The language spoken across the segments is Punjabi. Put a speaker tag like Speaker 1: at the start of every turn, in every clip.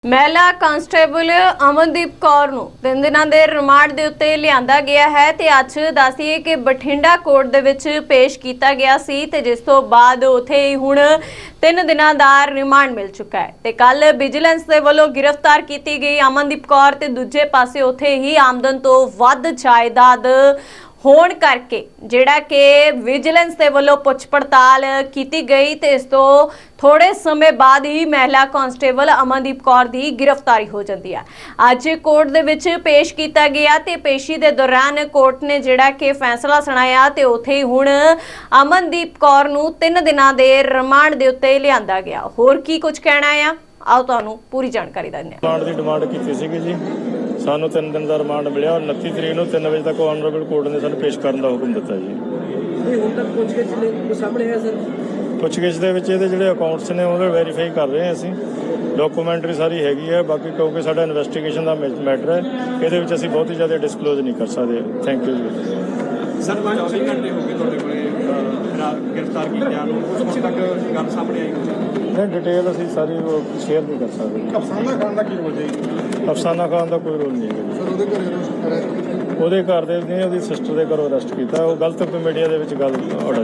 Speaker 1: ਮਹਿਲਾ ਕਾਂਸਟੇਬਲ ਅਮਨਦੀਪ ਕੌਰ ਨੂੰ 3 ਦਿਨਾਂ ਦੇ ਰਿਮਾਂਡ ਦੇ ਉੱਤੇ ਲਿਆਂਦਾ ਗਿਆ ਹੈ ਤੇ ਅੱਜ ਦੱਸੀਏ ਕਿ ਬਠਿੰਡਾ ਕੋਰਟ ਦੇ ਵਿੱਚ ਪੇਸ਼ ਕੀਤਾ ਗਿਆ ਸੀ ਤੇ ਜਿਸ ਤੋਂ ਬਾਅਦ ਉਥੇ ਹੀ ਹੁਣ 3 ਦਿਨਾਂ ਦਾ ਰਿਮਾਂਡ ਮਿਲ ਚੁੱਕਾ ਹੈ ਤੇ ਕੱਲ ਵਿਜੀਲੈਂਸ ਦੇ ਵੱਲੋਂ ਗ੍ਰਿਫਤਾਰ ਕੀਤੀ ਗਈ ਅਮਨਦੀਪ ਕੌਰ ਤੇ ਦੂਜੇ ਪਾਸੇ ਉਥੇ ਹੀ ਆਮਦਨ ਤੋਂ ਵੱਧ ਜਾਇਦਾਦ ਹੋਣ ਕਰਕੇ ਜਿਹੜਾ ਕਿ ਵਿਜੀਲੈਂਸ ਦੇ ਵੱਲੋਂ ਪੁੱਛ ਪੜਤਾਲ ਕੀਤੀ ਗਈ ਤੇ ਇਸ ਤੋਂ ਥੋੜੇ ਸਮੇਂ ਬਾਅਦ ਹੀ ਮਹਿਲਾ ਕਾਂਸਟੇਬਲ ਅਮਨਦੀਪ ਕੌਰ ਦੀ ਗ੍ਰਿਫਤਾਰੀ ਹੋ ਜਾਂਦੀ ਹੈ। ਅੱਜ ਕੋਰਟ ਦੇ ਵਿੱਚ ਪੇਸ਼ ਕੀਤਾ ਗਿਆ ਤੇ ਪੇਸ਼ੀ ਦੇ ਦੌਰਾਨ ਕੋਰਟ ਨੇ ਜਿਹੜਾ ਕਿ ਫੈਸਲਾ ਸੁਣਾਇਆ ਤੇ ਉੱਥੇ ਹੀ ਹੁਣ ਅਮਨਦੀਪ ਕੌਰ ਨੂੰ 3 ਦਿਨਾਂ ਦੇ ਰਿਮਾਂਡ ਦੇ ਉੱਤੇ ਲਿਆਂਦਾ ਗਿਆ। ਹੋਰ ਕੀ ਕੁਝ ਕਹਿਣਾ ਆ, ਆਓ ਤੁਹਾਨੂੰ ਪੂਰੀ ਜਾਣਕਾਰੀ ਦਿੰਦੇ ਹਾਂ।
Speaker 2: ਰਿਮਾਂਡ ਦੀ ਡਿਮਾਂਡ ਕੀਤੀ ਸੀਗੀ ਜੀ, ਸਾਨੂੰ 3 ਦਿਨ ਦਾ ਰਿਮਾਂਡ ਮਿਲਿਆ ਔਰ 29 ਤਰੀਕ ਨੂੰ 3 ਵਜੇ ਤੱਕ ਆਨਰੇਬਲ ਕੋਰਟ ਨੇ ਸਾਨੂੰ ਪੇਸ਼ ਕਰਨ ਦਾ ਹੁਕਮ ਦਿੱਤਾ ਜੀ।
Speaker 3: ਹੁਣ ਤੱਕ ਪੁੱਛਗਿੱਛ ਨੇ ਸਾਹਮਣੇ ਹੈ ਸਰ?
Speaker 2: ਪੁੱਛਗਿੱਛ ਦੇ ਵਿੱਚ ਇਹਦੇ ਜਿਹੜੇ ਅਕਾਊਂਟਸ ਨੇ ਉਹਨੂੰ ਵੈਰੀਫਾਈ ਕਰ ਰਹੇ ਹਾਂ ਅਸੀਂ, ਡਾਕੂਮੈਂਟਰੀ ਸਾਰੀ ਹੈਗੀ ਹੈ। ਬਾਕੀ ਕਿਉਂਕਿ ਸਾਡਾ ਇਨਵੈਸਟੀਗੇਸ਼ਨ ਦਾ ਮੈਟਰ ਹੈ, ਇਹਦੇ ਵਿੱਚ ਅਸੀਂ ਬਹੁਤ ਹੀ ਜ਼ਿਆਦਾ ਡਿਸਕਲੋਜ਼ ਨਹੀਂ ਕਰ ਸਕਦੇ। ਥੈਂਕ ਯੂ ਜੀ।
Speaker 4: ਸਰ 24 ਘੰਟੇ ਹੋ ਗਏ ਤੁਹਾਡੇ ਕੋਲੇ ਗ੍ਰਿਫਤਾਰ ਕੀਤਿਆਂ ਨੂੰ, ਉਸ ਤੱਕ ਗੱਲ ਸਾਹਮਣੇ ਆਈ
Speaker 2: ਨਹੀਂ, ਡਿਟੇਲ ਅਸੀਂ ਸਾਰੀ ਸ਼ੇਅਰ ਨਹੀਂ ਕਰ ਸਕਦੇ।
Speaker 4: ਅਫਸਾਨਾ ਖਾਨ ਦਾ ਕੀ ਰੋਲ ਜਾਏਗੀ?
Speaker 2: ਅਫਸਾਨਾ ਖਾਨ ਦਾ ਕੋਈ ਰੋਲ ਨਹੀਂ ਹੈ
Speaker 4: ਸਰ ਉਹਦੇ ਘਰੇ ਅਰੈਸਟ
Speaker 2: ਉਹਦੇ ਘਰ ਦੇ ਨੇ ਉਹਦੀ ਸਿਸਟਰ ਦੇ ਘਰੋਂ ਅਰੈਸਟ ਕੀਤਾ। ਉਹ ਗਲਤ ਮੀਡੀਆ ਦੇ ਵਿੱਚ ਗੱਲ ਉਡਾਈ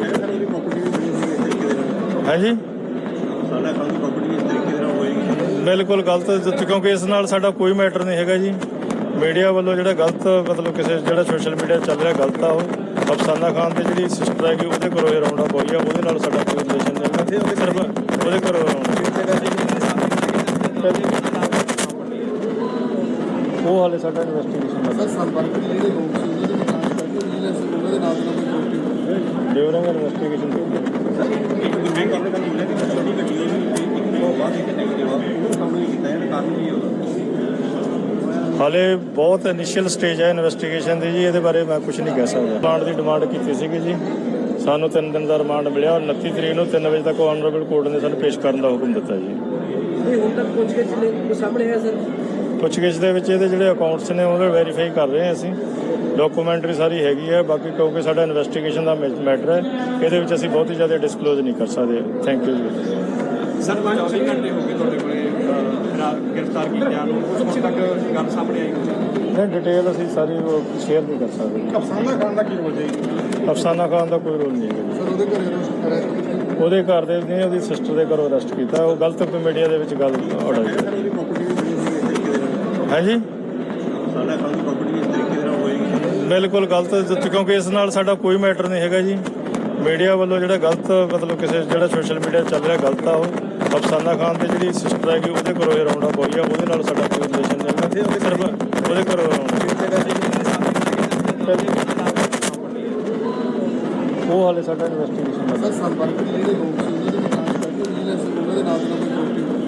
Speaker 2: ਹੈ ਜੀ।
Speaker 4: ਅਫਸਾਨਾ ਖਾਨ ਦੀ ਪ੍ਰਾਪਰਟੀ ਇਸ ਤਰੀਕੇ ਦੇ ਨਾਲ ਹੋਏਗੀ?
Speaker 2: ਬਿਲਕੁਲ ਗਲਤ, ਕਿਉਂਕਿ ਇਸ ਨਾਲ ਸਾਡਾ ਕੋਈ ਮੈਟਰ ਨਹੀਂ ਹੈਗਾ ਜੀ। ਮੀਡੀਆ ਵੱਲੋਂ ਜਿਹੜਾ ਗਲਤ ਮਤਲਬ ਕਿਸੇ ਜਿਹੜਾ ਸੋਸ਼ਲ ਮੀਡੀਆ ਚੱਲ ਰਿਹਾ ਗਲਤ ਆ। ਉਹ ਅਫਸਾਨਾ ਖਾਨ ਤੇ ਜਿਹੜੀ ਸਿਸਟਰ ਹੈਗੀ ਉਹਦੇ ਘਰੋਂ ਇਹ ਰਾਉਂਡ ਅਪ ਹੋਈ ਆ, ਉਹਦੇ ਨਾਲ ਸਾਡਾ ਕੋਈ ਰਿਲੇਸ਼ਨ ਨਹੀਂ ਹੈਗਾ। ਸਿਰਫ ਉਹਦੇ ਘਰੋਂ ਉਹ ਹਾਲੇ ਸਾਡਾ ਇਨਵੈਸਟੀਗੇਸ਼ਨ ਦਾ
Speaker 3: ਸੰਪਰਕ ਜਿਹੜੇ ਲੋਕ ਸੀ ਉਹਨਾਂ ਦੇ ਨਾਲ ਕਰਕੇ ਉਹਨਾਂ ਦੇ ਨਾਲ ਕੋਈ
Speaker 2: ਡਿਊਰਿੰਗ ਇਨਵੈਸਟੀਗੇਸ਼ਨ
Speaker 4: ਇੱਕ ਦੂਜੇ ਕਰਨ ਦਾ ਮਿਲਿਆ ਕਿ ਛੋਟੀ ਗੱਡੀ ਇੱਕ ਤੋਂ ਬਾਅਦ ਇੱਕ ਨੈਗੇਟਿਵ ਆ, ਉਹ ਕੰਮ ਨਹੀਂ ਕੀਤਾ ਇਹਦਾ ਕਾਰਨ ਕੀ ਹੋਗਾ?
Speaker 2: ਹਾਲੇ ਬਹੁਤ ਇਨੀਸ਼ੀਅਲ ਸਟੇਜ ਹੈ ਇਨਵੈਸਟੀਗੇਸ਼ਨ ਦੀ ਜੀ, ਇਹਦੇ ਬਾਰੇ ਮੈਂ ਕੁਝ ਨਹੀਂ ਕਹਿ ਸਕਦਾ। ਰਿਮਾਂਡ ਦੀ ਡਿਮਾਂਡ ਕੀਤੀ ਸੀਗੀ ਜੀ, ਸਾਨੂੰ 3 ਦਿਨ ਦਾ ਰਿਮਾਂਡ ਮਿਲਿਆ ਔਰ 29 ਤਰੀਕ ਨੂੰ 3 ਵਜੇ ਤੱਕ ਆਨਰੇਬਲ ਕੋਰਟ ਨੇ ਸਾਨੂੰ ਪੇਸ਼ ਕਰਨ ਦਾ ਹੁਕਮ ਦਿੱਤਾ ਜੀ।
Speaker 3: ਹੁਣ ਤੱਕ ਪੁੱਛਗਿੱਛ ਨੇ ਸਾਹਮਣੇ ਹੈ ਸਰ?
Speaker 2: ਪੁੱਛਗਿੱਛ ਦੇ ਵਿੱਚ ਇਹਦੇ ਜਿਹੜੇ ਅਕਾਊਂਟਸ ਨੇ ਉਹਨੂੰ ਵੈਰੀਫਾਈ ਕਰ ਰਹੇ ਹਾਂ ਅਸੀਂ, ਡਾਕੂਮੈਂਟਰੀ ਸਾਰੀ ਹੈਗੀ ਹੈ। ਬਾਕੀ ਕਿਉਂਕਿ ਸਾਡਾ ਇਨਵੈਸਟੀਗੇਸ਼ਨ ਦਾ ਮੈਟਰ ਹੈ, ਇਹਦੇ ਵਿੱਚ ਅਸੀਂ ਬਹੁਤ ਹੀ ਜ਼ਿਆਦਾ ਡਿਸਕਲੋਜ਼ ਨਹੀਂ ਕਰ ਸਕਦੇ। ਥੈਂਕ ਯੂ ਜੀ।
Speaker 4: ਸਰ 24 ਘੰਟੇ ਹੋ ਗਏ ਤੁਹਾਡੇ ਕੋਲੇ ਗ੍ਰਿਫਤਾਰ ਕੀਤਿਆਂ ਨੂੰ, ਉਸ ਤੱਕ ਗੱਲ ਸਾਹਮਣੇ ਆਈ
Speaker 2: ਨਹੀਂ, ਡਿਟੇਲ ਅਸੀਂ ਸਾਰੀ ਸ਼ੇਅਰ ਨਹੀਂ ਕਰ ਸਕਦੇ।
Speaker 4: ਅਫਸਾਨਾ ਖਾਨ ਦਾ ਕੀ ਰੋਲ ਜਾਏਗੀ?
Speaker 2: ਅਫਸਾਨਾ ਖਾਨ ਦਾ ਕੋਈ ਰੋਲ ਨਹੀਂ ਹੈਗਾ।
Speaker 3: ਸਰ ਉਹਦੇ ਘਰੇ ਅਰੈਸਟ
Speaker 2: ਉਹਦੇ ਘਰ ਦੇ ਨੇ ਉਹਦੀ ਸਿਸਟਰ ਦੇ ਘਰੋਂ ਅਰੈਸਟ ਕੀਤਾ। ਉਹ ਗਲਤ ਮੀਡੀਆ ਦੇ ਵਿੱਚ ਗੱਲ ਉਡਾਈ
Speaker 4: ਉਹਦੀ ਪ੍ਰਾਪਰਟੀ ਇਸ ਤਰੀਕੇ ਦੇ ਨਾਲ
Speaker 2: ਹੈ ਜੀ।
Speaker 4: ਅਫਸਾਨਾ ਖਾਨ ਦੀ ਪ੍ਰਾਪਰਟੀ ਇਸ ਤਰੀਕੇ ਦੇ ਨਾਲ ਹੋਏਗੀ?
Speaker 2: ਬਿਲਕੁਲ ਗਲਤ, ਕਿਉਂਕਿ ਇਸ ਨਾਲ ਸਾਡਾ ਕੋਈ ਮੈਟਰ ਨਹੀਂ ਹੈਗਾ ਜੀ। ਮੀਡੀਆ ਵੱਲੋਂ ਜਿਹੜਾ ਗਲਤ ਮਤਲਬ ਕਿਸੇ ਜਿਹੜਾ ਸੋਸ਼ਲ ਮੀਡੀਆ ਚੱਲ ਰਿਹਾ ਗਲਤ ਆ। ਉਹ ਅਫਸਾਨਾ ਖਾਨ ਤੇ ਜਿਹੜੀ ਸਿਸਟਰ ਹੈਗੀ ਉਹਦੇ ਘਰੋਂ ਇਹ ਰਾਉਂਡ ਅਪ ਹੋਈ ਆ, ਉਹਦੇ ਨਾਲ ਸਾਡਾ ਕੋਈ ਰਿਲੇਸ਼ਨ ਨਹੀਂ ਹੈਗਾ। ਸਿਰਫ ਉਹਦੇ ਘਰੋਂ ਉਹ ਹਾਲੇ ਸਾਡਾ ਇਨਵੈਸਟੀਗੇਸ਼ਨ ਦਾ
Speaker 3: ਸੰਪਰਕ ਜਿਹੜੇ ਲੋਕ ਸੀ ਉਹਨਾਂ ਦੇ ਨਾਲ ਕਰਕੇ ਉਹਨਾਂ ਦੇ ਨਾਲ ਕੋਈ